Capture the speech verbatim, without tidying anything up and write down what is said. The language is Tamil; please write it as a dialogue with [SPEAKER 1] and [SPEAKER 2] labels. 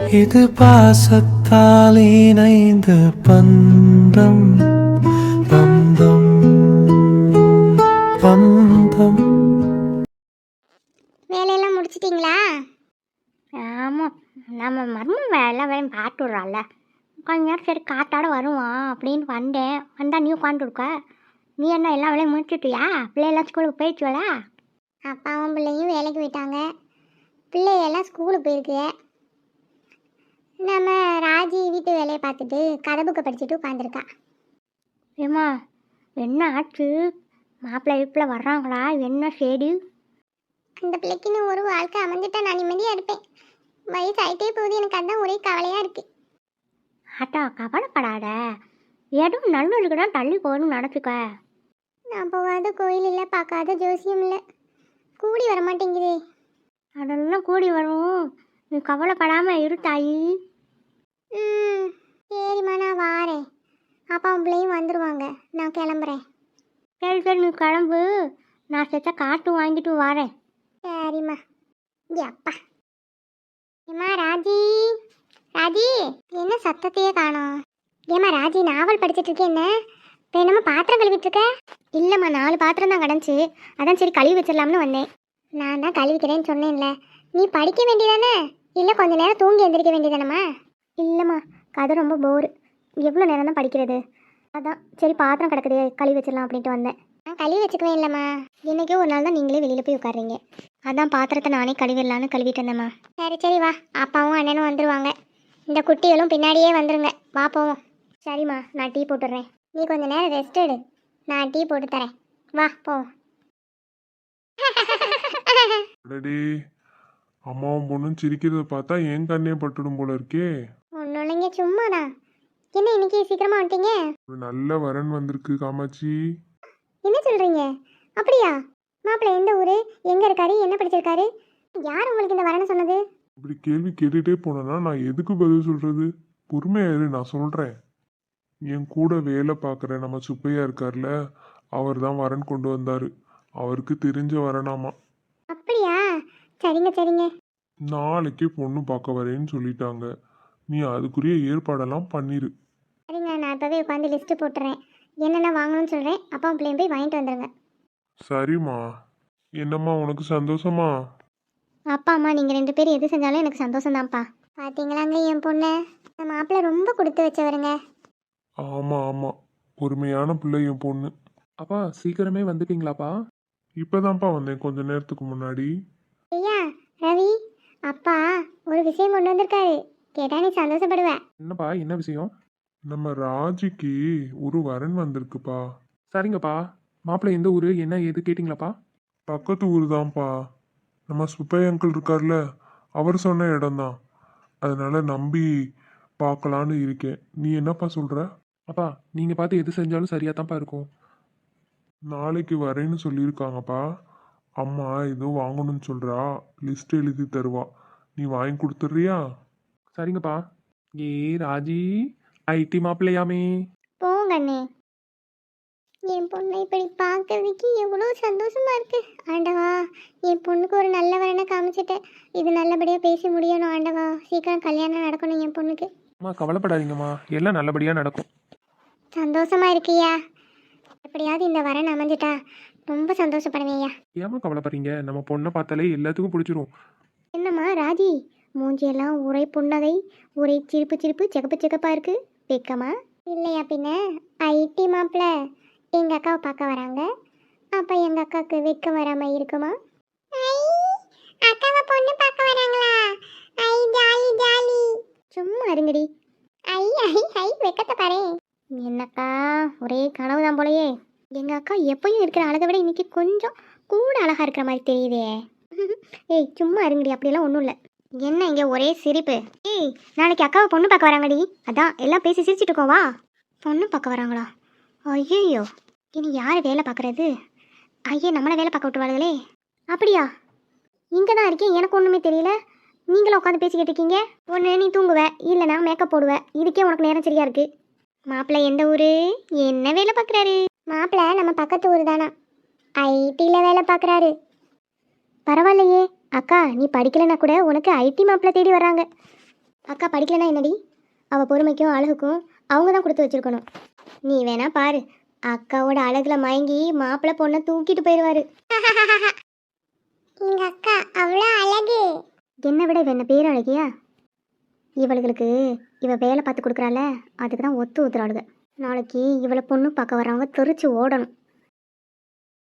[SPEAKER 1] இது பாசத்தால் இணைந்த பந்தம் பந்தம் பந்தம்.
[SPEAKER 2] வேலையெல்லாம் முடிச்சிட்டிங்களா? ஆமாம், நம்ம மர்மம் வேலை வேலையும் பார்த்து விட்றாள்ல. கொஞ்ச நேரம் சரி காத்தாட வருவான் அப்படின்னு வந்தேன். வந்தால் நீ உட்காந்துருக்க. நீ என்ன எல்லா வேலையும் முடிச்சுட்டியா? பிள்ளையெல்லாம் ஸ்கூலுக்கு போயிடுச்சுவலா? அப்பாவும் பிள்ளையும் வேலைக்கு போயிட்டாங்க. பிள்ளையெல்லாம் ஸ்கூலுக்கு போயிருக்கு. நம்ம ராஜி வீட்டு வேலையை பார்த்துட்டு கதை புக்கை படிச்சுட்டு உட்காந்துருக்கா. ஏம்மா என்ன ஆச்சு? மாப்பிள்ளை வீப்பில் வர்றாங்களா? என்ன சரி? அந்த பிள்ளைக்குன்னு ஒரு வாழ்க்கை அமைஞ்சிட்டா நான் நிம்மதியாக இருப்பேன். வயசு ஆகிட்டே போகுது, எனக்கு அதான் ஒரே கவலையாக இருக்குது. ஆட்டா கவலைப்படாத, எதுவும் நல்லதுக்கு தான் தள்ளி போகணும்னு நினச்சிக்க. நான் போகாத கோயில் இல்லை, பார்க்காத ஜோசியம் இல்லை, கூடி வர மாட்டேங்குதே. அதெல்லாம் கூடி வரும், நீ கவலைப்படாமல் இரு தாயி. ம் சரிம்மா, நான் வாரேன். அப்பாவும் பிள்ளையும் வந்துடுவாங்க, நான் கிளம்புறேன். சரி சரி நீ கிளம்பு, நான் செத்த காட்டு வாங்கிட்டு வரேன். சரிம்மா. அப்பா ஏம்மா ராஜி, ராஜி என்ன சத்தத்தையே காணோம்? ஏம்மா ராஜி நாவல் படிச்சுட்டு இருக்கேன். என்ன இப்போ என்னம்மா பாத்திரம் கழுவிட்டு இருக்க? இல்லைம்மா, நாலு பாத்திரம் தான் கிடந்துச்சு, அதான் சரி கழுவி வச்சிடலாம்னு வந்தேன். நான் தான் கழுவிக்கிறேன்னு சொன்னேன்ல, நீ படிக்க வேண்டியதானே? இல்லை கொஞ்ச நேரம் தூங்கி எந்திரிக்க வேண்டியதானம்மா? இல்லைம்மா, கதை ரொம்ப போர், எவ்வளோ நேரம் தான் படிக்கிறது, அதான் சரி பாத்திரம் கிடக்குது கழுவி வச்சிடலாம் அப்படின்ட்டு வந்தேன். நான் கழுவி வச்சுக்குவேன். இல்லைம்மா, இன்றைக்கே ஒரு நாள் தான் நீங்களே வெளியில் போய் உட்காருறீங்க, அதான் பாத்திரத்தை நானே கழுவிடலான்னு கழுவிட்டு இருந்தேம்மா. சரி சரி வா, அப்பாவும் அண்ணனும் வந்துடுவாங்க, இந்த குட்டிகளும் பின்னாடியே வந்துடுங்க, வா போவோம். சரிம்மா, நான் டீ போட்டுடுறேன், நீ கொஞ்சம் நேரம் ரெஸ்ட் எடு, நான் டீ போட்டு தரேன், வா போவோம்.
[SPEAKER 3] அம்மாவும் பொண்ணும் சிரிக்கிறத பார்த்தா என் கண்ணே பட்டுடும் போல இருக்கே.
[SPEAKER 2] ஒன்றும் இல்லைங்க, சும்மாதான். என்ன இன்னைக்கு சீக்கிரமா வந்துட்டீங்க?
[SPEAKER 3] ஒரு நல்ல வரன் வந்திருக்கு காமாட்சி.
[SPEAKER 2] என்ன சொல்றீங்க? அப்படியா? மாப்பிள்ளை எந்த ஊரு, எங்க இருக்காரு, என்ன படிச்சிருக்காரு, யார் உங்களுக்கு இந்த வரணும் சொன்னது?
[SPEAKER 3] இப்படி கேள்வி கேட்டுட்டே போனேன்னா நான் எதுக்கு பதில் சொல்றது? பொறுமையா இரு, நான் சொல்றேன். என் கூட வேலை பார்க்குற நம்ம சுப்பையா இருக்கார்ல, அவர் தான் வரன் கொண்டு வந்தாரு. அவருக்கு தெரிஞ்ச வரனாமா.
[SPEAKER 2] அப்படியா? சரிங்க சரிங்க.
[SPEAKER 3] நாளைக்கே பொண்ணு பார்க்க வரேன்னு சொல்லிட்டாங்க. நீ அதுக்குரிய ஏற்பாடெல்லாம் பண்ணிரு.
[SPEAKER 2] சரிங்க, நான் இப்போவே உட்காந்து லிஸ்ட்டு போட்டுறேன், என்னென்ன வாங்கணும்னு சொல்கிறேன், அப்பா பிள்ளையும் போய் வாங்கிட்டு வந்துடுங்க.
[SPEAKER 3] சரிம்மா. என்னம்மா உனக்கு சந்தோஷமா?
[SPEAKER 2] அப்பா அம்மா நீங்கள் ரெண்டு பேரும் எது செஞ்சாலும் எனக்கு சந்தோஷம்தான்ப்பா. பார்த்தீங்களாங்க என் பொண்ணு, நம்ம மாப்பிள்ளை ரொம்ப கொடுத்து வச்சவருங்க.
[SPEAKER 3] ஆமா ஆமா, பொறுமையான பிள்ளை என் பொண்ணு.
[SPEAKER 4] அப்பா சீக்கிரமே வந்துட்டீங்களாப்பா?
[SPEAKER 3] இப்பதான்ப்பா வந்தேன் கொஞ்ச நேரத்துக்கு முன்னாடி.
[SPEAKER 2] ஐயா ரவி, அப்பா ஒரு விஷயம் கொண்டு வந்திருக்காரு, கேட்டா நீ சந்தோஷப்படுவ.
[SPEAKER 4] என்னப்பா, என்ன விஷயம்?
[SPEAKER 3] நம்ம ராஜிக்கு ஒரு வரன் வந்திருக்குப்பா.
[SPEAKER 4] சரிங்கப்பா, மாப்பிள்ளை எந்த ஊர், என்ன ஏது கேட்டிங்களாப்பா?
[SPEAKER 3] பக்கத்து ஊர் தான்ப்பா. நம்ம சுப்பை அங்கிள் இருக்கார்ல, அவர் சொன்ன இடம்தான். அதனால நம்பி பார்க்கலான்னு இருக்கேன். நீ என்னப்பா சொல்ற?
[SPEAKER 4] அப்பா நீங்கள் பார்த்து எது செஞ்சாலும் சரியாக தான்ப்பா இருக்கும்.
[SPEAKER 3] நாளைக்கு வரேன்னு சொல்லியிருக்காங்கப்பா. அம்மா ஏதோ வாங்கணும்னு சொல்றா, லிஸ்ட் எழுதி தருவா, நீ வாங்கி கொடுத்துட்றியா?
[SPEAKER 4] சரிங்கப்பா. ஏ ராஜி, ஐடி மாப்பிள்ளையாமே.
[SPEAKER 2] போங்கண்ணே, என் பொண்ணை இப்படி பார்க்கறதுக்கு எவ்வளோ சந்தோஷமா இருக்கு. ஆண்டவா, என் பொண்ணுக்கு ஒரு நல்ல வரனை காமிச்சிட்டேன், இது நல்லபடியாக பேசி முடியணும். ஆண்டவா, சீக்கிரம் கல்யாணம் நடக்கணும் என் பொண்ணுக்கு.
[SPEAKER 4] அம்மா கவலைப்படாதீங்கம்மா, எல்லாம் நல்லபடியாக நடக்கும்.
[SPEAKER 2] சந்தோஷமா இருக்கியா? எப்படியாவது இந்த வரன் அமைஞ்சிட்டா ரொம்ப சந்தோஷப்படுவேயா.
[SPEAKER 4] ஏம்மா கவலைப்படுறீங்க, நம்ம பொண்ணை பார்த்தாலே எல்லாத்துக்கும் பிடிச்சிரும்.
[SPEAKER 2] என்னம்மா ராஜி, மூஞ்சியெல்லாம் ஒரே புன்னகை, ஒரே சிரிப்பு சிரிப்பு சிகப்பு சிகப்பாக இருக்கு, வெக்கமா? இல்லையா பின்ன, ஐடி மாப்பிள்ள எங்கள் அக்காவை பார்க்க வராங்க, அப்போ எங்கள் அக்காவுக்கு வெக்கம் வராமல் இருக்குமா? அக்காவை பொண்ணு பார்க்க வராங்களா? ஐ ஜாலி ஜாலி. சும்மா இருங்கடி. ஐ ஐ ஐ வெக்கத்தை பாரு. என்னக்கா ஒரே கனவு தான் போலையே. எங்கள் அக்கா எப்பயும் இருக்கிற அழகை விட இன்னைக்கு கொஞ்சம் கூட அழகாக இருக்கிற மாதிரி தெரியுதே. ஏய் சும்மா இருங்கடி, அப்படியெல்லாம் ஒன்றும் இல்லை. என்ன இங்கே ஒரே சிரிப்பு? ஏய் நாளைக்கு அக்காவை பொண்ணு பார்க்க வராங்கடி, அதான் எல்லாம் பேசி சிரிச்சிட்டு இருக்கோம். வா. பொண்ணு பார்க்க வராங்களா? ஐயோ, இனி யார் வேலை பார்க்குறது? ஐயே, நம்மளை வேலை பார்க்க விட்டுவாளுங்களே. அப்படியா? இங்கே தான் இருக்கேன், எனக்கு ஒன்றுமே தெரியல. நீங்களும் உட்காந்து பேசிக்கிட்டு இருக்கீங்க. ஒன்று நீ தூங்குவ, இல்லைனா மேக்கப் போடுவேன், இதுக்கே உனக்கு நேரம் சரியா இருக்கு. மாப்பிள்ளை எந்த ஊர், என்ன வேலை பார்க்குறாரு? மாப்பிள்ளை நம்ம பக்கத்து ஊர் தானா, ஐடியில் வேலை பார்க்குறாரு. பரவாயில்லையே அக்கா, நீ படிக்கலைன்னா கூட உனக்கு ஐடி மாப்பிள்ளை தேடி வர்றாங்க. அக்கா படிக்கலைன்னா என்னடி, அவள் பொறுமைக்கும் அழகுக்கும் அவங்க தான் கொடுத்து வச்சிருக்கணும். நீ வேணா பாரு, அக்காவோட அழகுல மயங்கி மாப்பிள்ளை பொண்ணை தூக்கிட்டு போயிடுவாரு. எங்க அக்கா அவ்வளோ அழகு. என்னை விட இவ என்ன பேர் அழகியா? இவளுகளுக்கு இவ வேலை பார்த்து கொடுக்குறாள, அதுக்கு தான் ஒத்து ஊத்துறாளுங்க. நாளைக்கு இவளை பொண்ணு பார்க்க வரவங்க தெரிச்சு ஓடணும்.